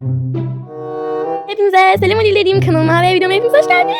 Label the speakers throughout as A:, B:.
A: Hepinize selam dilediğim kanalıma ve videoma hepiniz hoş geldiniz.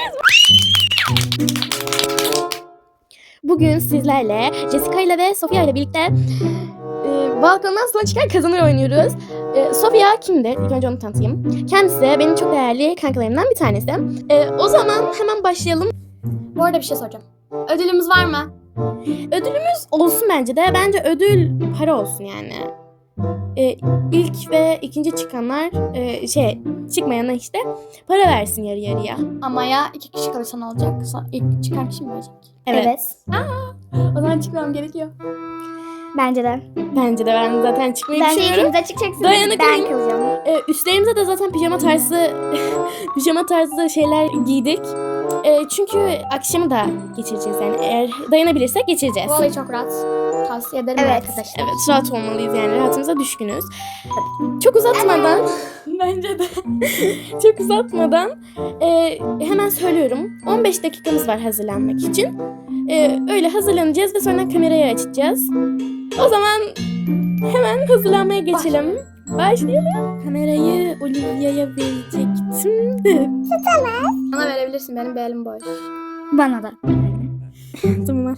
A: Bugün sizlerle Jessica ile ve Sofia ile birlikte balkondan sonra çıkan kazanır oynuyoruz. Sofia kimdir? İlk önce onu tanıtayım. Kendisi benim çok değerli kankalarımdan bir tanesi. O zaman hemen başlayalım.
B: Bu arada bir şey soracağım. Ödülümüz var mı?
A: Ödülümüz olsun bence de. Bence ödül para olsun yani. İlk ve ikinci çıkanlar çıkmayana işte para versin yarı yarıya.
B: Ama ya 2 kişi kalırsa ne olacak? İlk çıkan kişi mi verecek?
A: Evet.
B: O zaman çıkmam gerekiyor.
C: Bence de.
A: Bence de ben zaten çıkmayı
C: Bence
A: düşünüyorum.
C: ikiniz de çıkacaksınız.
A: Dayanıklıyım.
C: Ben kalacağım.
A: Üstlerimize de zaten pijama tarzı şeyler giydik. Çünkü akşamı da geçireceğiz yani eğer dayanabilirsek geçireceğiz.
B: Bu olayı çok rahat. Tavsiye ederim
C: Evet.
B: arkadaşlar.
A: Evet, rahat olmalıyız yani, rahatımıza düşkünüz. Çok uzatmadan bence de çok uzatmadan hemen söylüyorum. 15 dakikamız var hazırlanmak için. Öyle hazırlanacağız ve sonra kamerayı açacağız. O zaman hemen hazırlanmaya geçelim. Başlayalım. Kamerayı Olivia'ya verecektim de.
B: Bana verebilirsin, benim bir elim boş.
C: Bana da.
A: Tamam.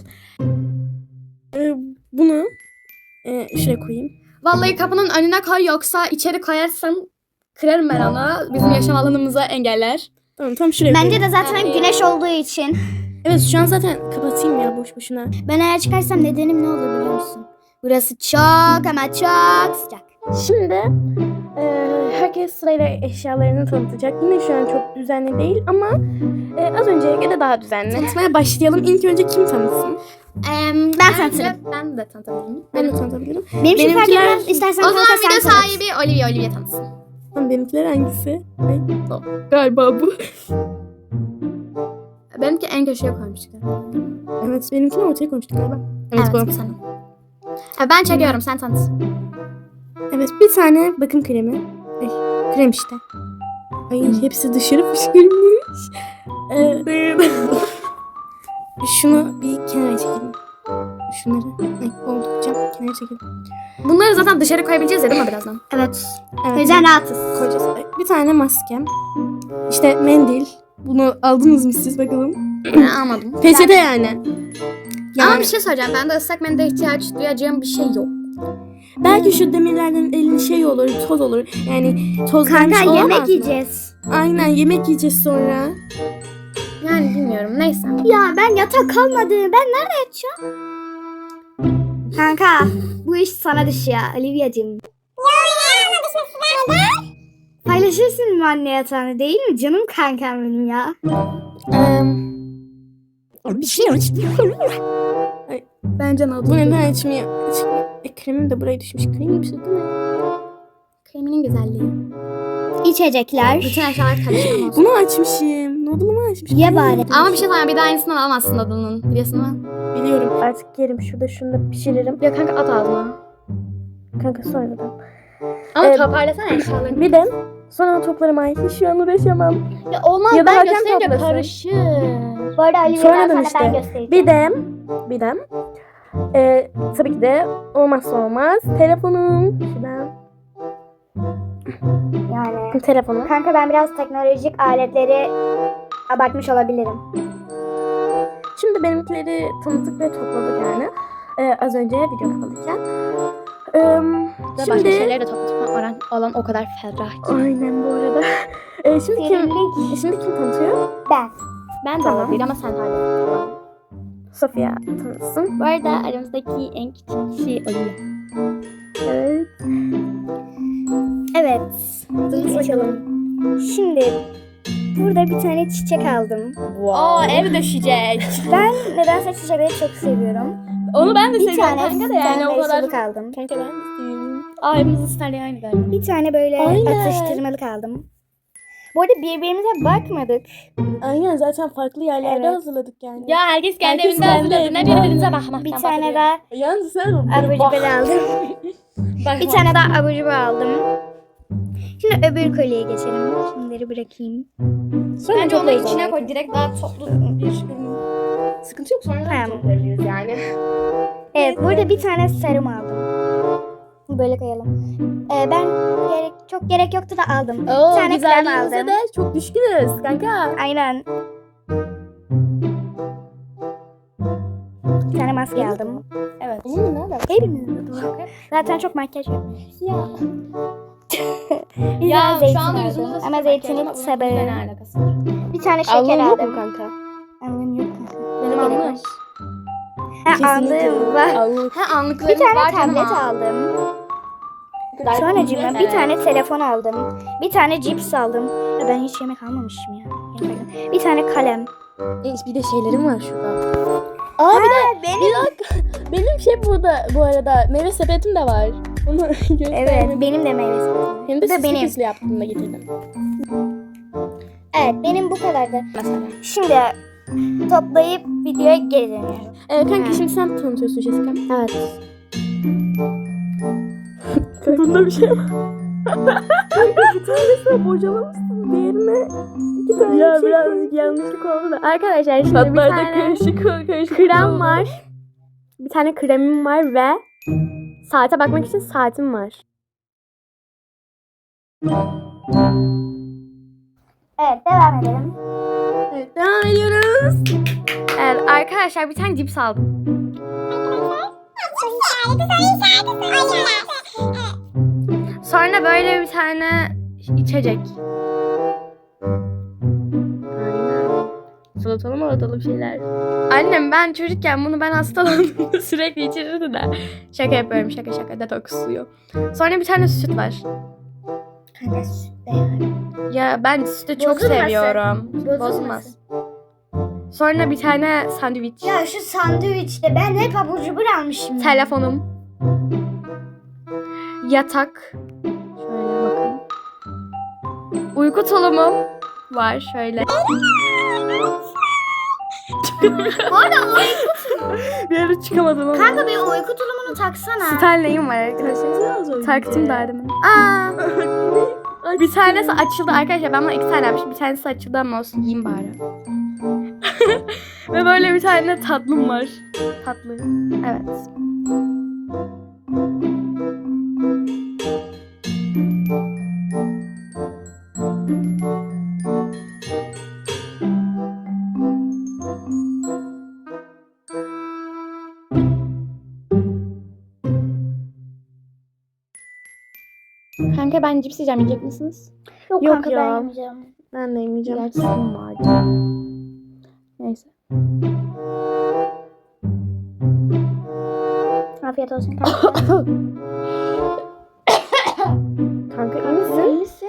A: Bunu şuraya koyayım.
B: Vallahi kapının önüne koy, yoksa içeri koyarsan kırarım ben onu. Bizim yaşam alanımıza engeller.
A: Tamam, tam şuraya
C: Bence
A: koyayım.
C: de zaten güneş olduğu için.
A: Evet, şu an zaten kapatayım ya boş boşuna.
C: Ben eğer çıkarsam nedenim ne olur biliyor musun? Burası çok ama çok sıcak.
A: Şimdi herkes sırayla eşyalarını tanıtacak. Yine şu an çok düzenli değil ama az önceye göre daha düzenli. Tanıtmaya başlayalım. İlk önce kim tanıtsın?
C: Ben tanıtırım.
B: Ben de tanıtabilirim.
A: Ben de tanıtabilirim.
C: Benim için fark
A: Benimkiler-
C: etmez. İstersen
B: O zaman
C: kanka
B: video
C: sen tanıt.
B: sahibi Olivia tanısın.
A: Tamam, benimkiler hangisi? Ay, galiba bu.
B: Benimki en köşeye koymuştuk.
A: Evet, benimkini ortaya koymuştuk galiba. Evet, bu.
B: Sen. Ben çekiyorum, sen tanıt.
A: Evet, bir tane bakım kremi. Ay, krem işte. Ay, hepsi dışarı fışkırmış. Şunu bir kenara çekelim. Şunları oldukça kenara çekelim.
B: Bunları zaten dışarı koyabileceğiz ya, değil mi birazdan?
C: Evet. O
A: Evet,
C: yüzden rahatız.
A: koyacağız. Ay, bir tane maskem. İşte mendil. Bunu aldınız mı siz bakalım?
B: Ben almadım.
A: Peçete yani.
B: Ama bir şey söyleyeceğim. Bende ıslak mendile ihtiyaç duyacağım bir şey yok.
A: Belki şu demirlerden elin şey olur, toz olur. Yani tozlanmış
C: Kanka
A: olamaz
C: yemek
A: mı?
C: yiyeceğiz.
A: Aynen, yemek yiyeceğiz sonra.
B: Yani bilmiyorum. Neyse.
C: Ya ben yatak kalmadı. Ben nerede yatacağım? Kanka bu iş sana düşüyor Olivia'cığım. Paylaşırsın mı anne yatağını, değil mi? Canım kankam benim ya.
A: Bir şey
B: Bence ne oldu?
A: Bu neden açmıyor? Kremim de buraya düşmüş. Kremim bir şey değil mi?
B: Kreminin güzelliği.
C: İçecekler.
B: Bütün eşyalar karışamaz.
A: Bunu açmışım. Noodle'ımı açmışım.
C: Ye bari.
B: Ama bir şey söyleyeyim. Bir daha aynısından alamazsın adının. Biliyorsun mu?
A: Biliyorum. Artık yerim. Şurada şunu da pişiririm.
B: Ya kanka at ağzına.
A: Kanka sonradan.
B: Ama toparlasana eşyalarını.
A: Bir de sonra toplarım. Ay, şu an uğraşamam.
B: Ya olmaz.
A: Ya da
B: ben
A: hakem
B: gösterince
A: toplasın.
B: karışır.
C: Bu arada Olivia'dan
A: Sonradan
C: sana
A: işte.
C: ben göstereceğim.
A: Bir de tabii ki de olmazsa olmaz telefonum. Şuradan.
C: Yani.
A: Telefonum.
C: Kanka ben biraz teknolojik aletleri abartmış olabilirim.
A: Şimdi benimkileri tanıttık ve topladık yani. Az önce video kapalıyken.
B: Ve başka
A: Şimdi
B: şeyleri de toplatma alan o kadar ferah ki.
A: aynen bu arada. Şimdi kim tanıtıyor?
C: Ben.
B: Ben de
A: Tamam.
B: olabilir ama sen hala.
A: Sofia tanıtsın.
B: Bu arada aramızdaki en küçük kişi Olivia.
A: Evet.
C: Evet.
A: Bakalım.
C: Şimdi burada bir tane çiçek aldım.
A: Aa, ev döşecek.
C: Ben nedense çiçekleri çok seviyorum.
A: Onu ben de
C: Bir
A: seviyorum
C: tane
A: kanka da yani o kadar.
C: sarmaşıklık aldım.
A: Kanka ben de seviyorum.
B: Aa, hepimizin sterliği aynı galiba.
C: Bir tane böyle
A: Aynen.
C: atıştırmalık aldım. Bu arada birbirimize bakmadık.
A: Aynen, zaten farklı yerlerde
C: Evet.
A: hazırladık yani.
B: Ya herkes kendi
A: Herkes
B: evinde
A: kendi
B: hazırladı. Ne
A: evinde.
B: birbirinize bakmaktan
C: Bir tane daha
A: Yalnız sen
C: abur cubur aldım. Bir tane daha abur cubur aldım. Şimdi öbür kolyeye geçelim. Şunları bırakayım.
A: Sonra
B: Bence onu
A: toplarız
B: içine
A: onları.
B: koy. Direkt daha toplu bir
A: Sıkıntı yok, sonra
C: Tamam.
A: toplarız yani.
C: Evet burada bir tane serum aldım. Böyle koyalım. Ben çok gerek yoktu da aldım.
A: Oo,
C: Bir tane krem
A: güzelliğinize
C: aldım.
A: de çok düşkünüz kanka.
C: Aynen. Bir tane maske aldım. Evet.
A: Benim mi?
C: Hepimizin de doğru. Zaten çok makyaj yapıyoruz.
A: Ya.
C: Bir
B: Ya
C: tane
B: şu
C: zeytin
B: anda
C: aldım.
B: yüzümüzde
C: Ama zeytinin sebebi.
B: ne alakası var?
C: Bir tane şeker
A: Alnın yok mu
C: aldım.
A: kanka?
C: Alnım yok.
A: Benim
C: Gerek
A: alnım.
C: var. Ha, aldım. Var.
A: Alnım.
B: Ha
C: Bir
B: anlıklarımız
C: tane
B: var canım.
C: tablet aldım. Sonracığıma bir tane telefon aldım. Bir tane cips aldım. Ya ben hiç yemek almamışım ya. Gerçekten. Bir tane kalem.
A: Bir de şeylerim var şurada. Aa bir de bir dakika. Benim şey burada bu arada meyve sepetim de var. Bunu göstermek.
C: Evet, benim de meyve sepetim.
A: Hem de
C: Bu da
A: süslü
C: benim.
A: püslü yaptığımda getirdim.
C: Evet, benim bu kadardı.
A: Mesela.
C: Şimdi toplayıp videoya geri dönüyorum.
A: Kanka şimdi sen tanıtıyorsun Jessica. Evet. Bunda bir şey var. Bir tanesine bocalamışsın. Diğerine iki tane ya şey birazcık yanlışlık oldu da. Arkadaşlar şimdi bir tane karışık krem var. Bir tane kremim var ve saate bakmak için saatim var.
C: Evet, devam edelim.
A: Evet devam ediyoruz.
B: Evet arkadaşlar bir tane cips aldım. Sonra böyle bir tane içecek.
A: Aynen. Salatalı malatalı şeyler.
B: Annem ben çocukken bunu ben hastalandığımda sürekli içirirdi de. Şaka yapıyorum şaka detoks suyu. Sonra bir tane süt var.
C: Kanka süt de yani.
B: Ya ben sütü çok
C: Bozulmasın.
B: seviyorum. Bozulmaz. Sonra bir tane sandviç.
C: Ya şu sandviçte ben hep abur cubur almışım.
B: Telefonum. Yatak. Şöyle bakın. Uyku tulumum var şöyle.
C: Bu arada
A: Bir ara çıkamadım ama.
C: kanka bir uyku tulumunu taksana.
B: Stanley'im var arkadaşlar. Taktım da demin. Aa! Bir tanesi açıldı arkadaşlar. Ben buna 2 tane yapmışım. Bir tanesi açıldı ama olsun yiyeyim bari. Ve böyle bir tane tatlım var. Tatlı. Evet. Kanka ben cips yiyeceğim. Yiyecek misiniz?
C: Yok,
A: Yok
C: kanka
A: ya.
C: ben yemeyeceğim.
A: Ben de yemeyeceğim.
B: Gerçi senin vardı. Neyse.
C: Afiyet olsun kanka.
A: Kanka iyi misin?
C: İyi misin?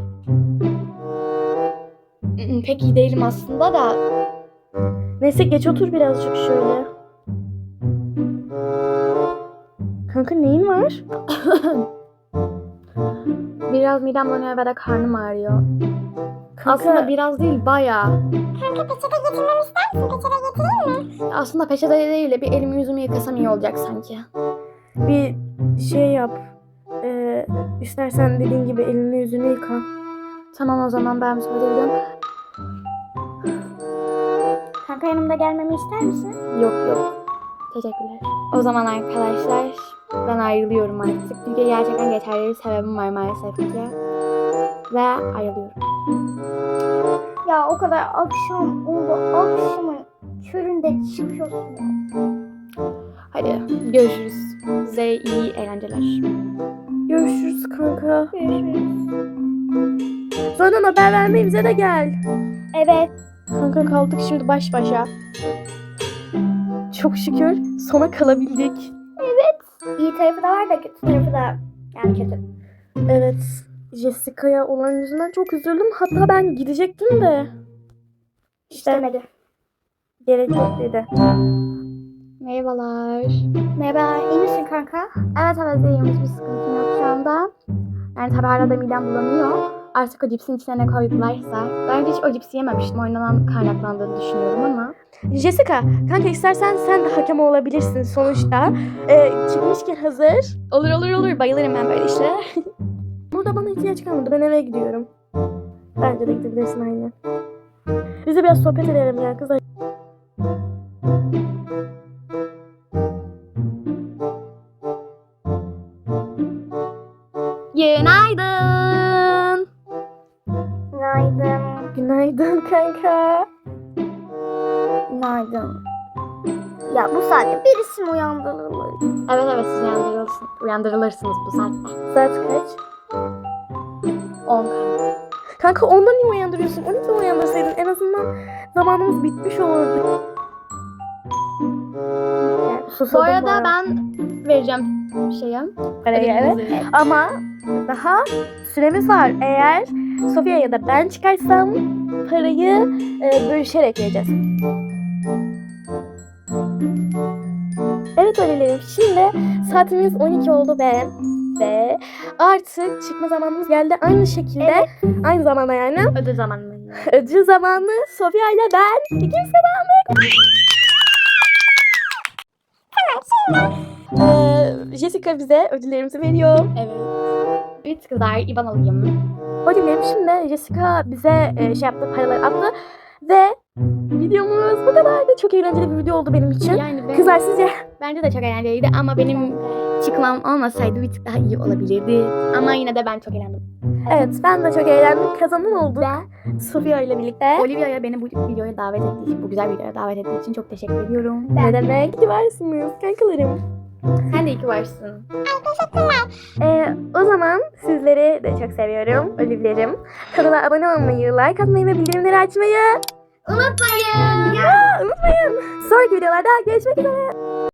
B: Pek iyi değilim aslında da.
A: Neyse geç otur birazcık şöyle. Kanka neyin var?
B: Biraz midem bulanıyor ve de karnım ağrıyor.
A: Kanka,
B: Aslında biraz değil bayağı.
C: Kanka peçete getirmemi ister misin? Peçete getireyim mi?
B: Aslında peçete değil de bir elimi yüzümü yıkasam iyi olacak sanki.
A: bir şey yap. İstersen dediğin gibi elini yüzünü yıka.
B: Tamam o zaman ben müsaade ediyorum.
C: Kanka yanımda gelmemi ister misin?
A: Yok.
B: Teşekkürler. O zaman arkadaşlar ben ayrılıyorum artık. Çünkü gerçekten geçerli bir sebebim var maalesef ki. Ve ayrılıyorum.
C: Ya o kadar akşam oldu. Akşamın köründe çıkıyorsun.
B: Hadi görüşürüz. Size iyi eğlenceler.
A: Görüşürüz kanka.
C: Görüşürüz.
A: Sonra haber vermeyi bize de gel.
C: Evet.
A: Kanka kaldık şimdi baş başa. Çok şükür sona kalabildik.
C: İyi tarafı da var da kötü tarafı da yani kötü.
A: Evet. Jessica'ya olan yüzünden çok üzüldüm. Hatta ben gidecektim de.
C: İstemedi.
A: Gerek yok dedi.
B: Merhabalar.
C: Merhaba, iyi misin kanka?
B: Evet iyiyim. Hiçbir sıkıntım yok şu anda. Yani tabii arada midem bulanıyor. Artık o cipsin içine ne koydularsa. Ben önce hiç o cipsi yememiştim. Oynanan kaynaklandığını düşünüyorum ama.
A: Jessica, kanka istersen sen de hakem olabilirsin sonuçta. Çıkmışken hazır.
B: Olur. Bayılırım ben böyle işlere.
A: Burada bana ihtiyaç kalmadı. Ben eve gidiyorum. Bence de gidebilirsin aynen. Biz de biraz sohbet edelim ya kızlar.
B: Günaydın kanka.
C: Günaydın. Ya bu saatte birisi mi uyandırılır?
B: Evet siz uyandırılırsınız bu saatte.
A: Saat kaç?
B: 10 kanka.
A: Kanka ondan niye uyandırıyorsun? 12'de uyandırsaydın en azından zamanımız bitmiş olurdu.
B: Bu arada ben vereceğim şeye.
A: Parayı evet. Ama daha süremiz var. Eğer Sofia ya da ben çıkarsam parayı bölüşerek vereceğiz. Evet öylerim. Şimdi saatimiz 12 oldu ve artık çıkma zamanımız geldi. Aynı şekilde aynı zamanda yani
B: Ödül zamanı.
A: ödül zamanı Sofia ile ben ikimiz kazandık. Jessica bize ödüllerimizi veriyor.
B: Evet. Evet kızlar İban alayım.
A: Ödüllerim şimdi Jessica bize şey yaptı, paraları attı ve videomuz bu kadardı. Çok eğlenceli bir video oldu benim için.
B: Yani
A: Kızlar sizce?
B: bence de çok eğlenceliydi ama benim çıkmam olmasaydı bir tık daha iyi olabilirdi. Ama yine de ben çok eğlendim.
A: Evet ben de çok eğlendim. Kazanan olduk. Sofia ile birlikte.
B: Olivia'ya beni bu videoya davet ettiği için, bu güzel videoya davet ettiği için çok teşekkür ediyorum.
A: Ne demek? İyi ki varsınız kankalarım.
B: Sen de iyi ki varsın.
A: O zaman sizleri de çok seviyorum. Olivlerim. Kanala abone olmayı, like atmayı ve bildirimleri açmayı
B: Unutmayın.
A: unutmayın. Sonraki videolarda görüşmek üzere.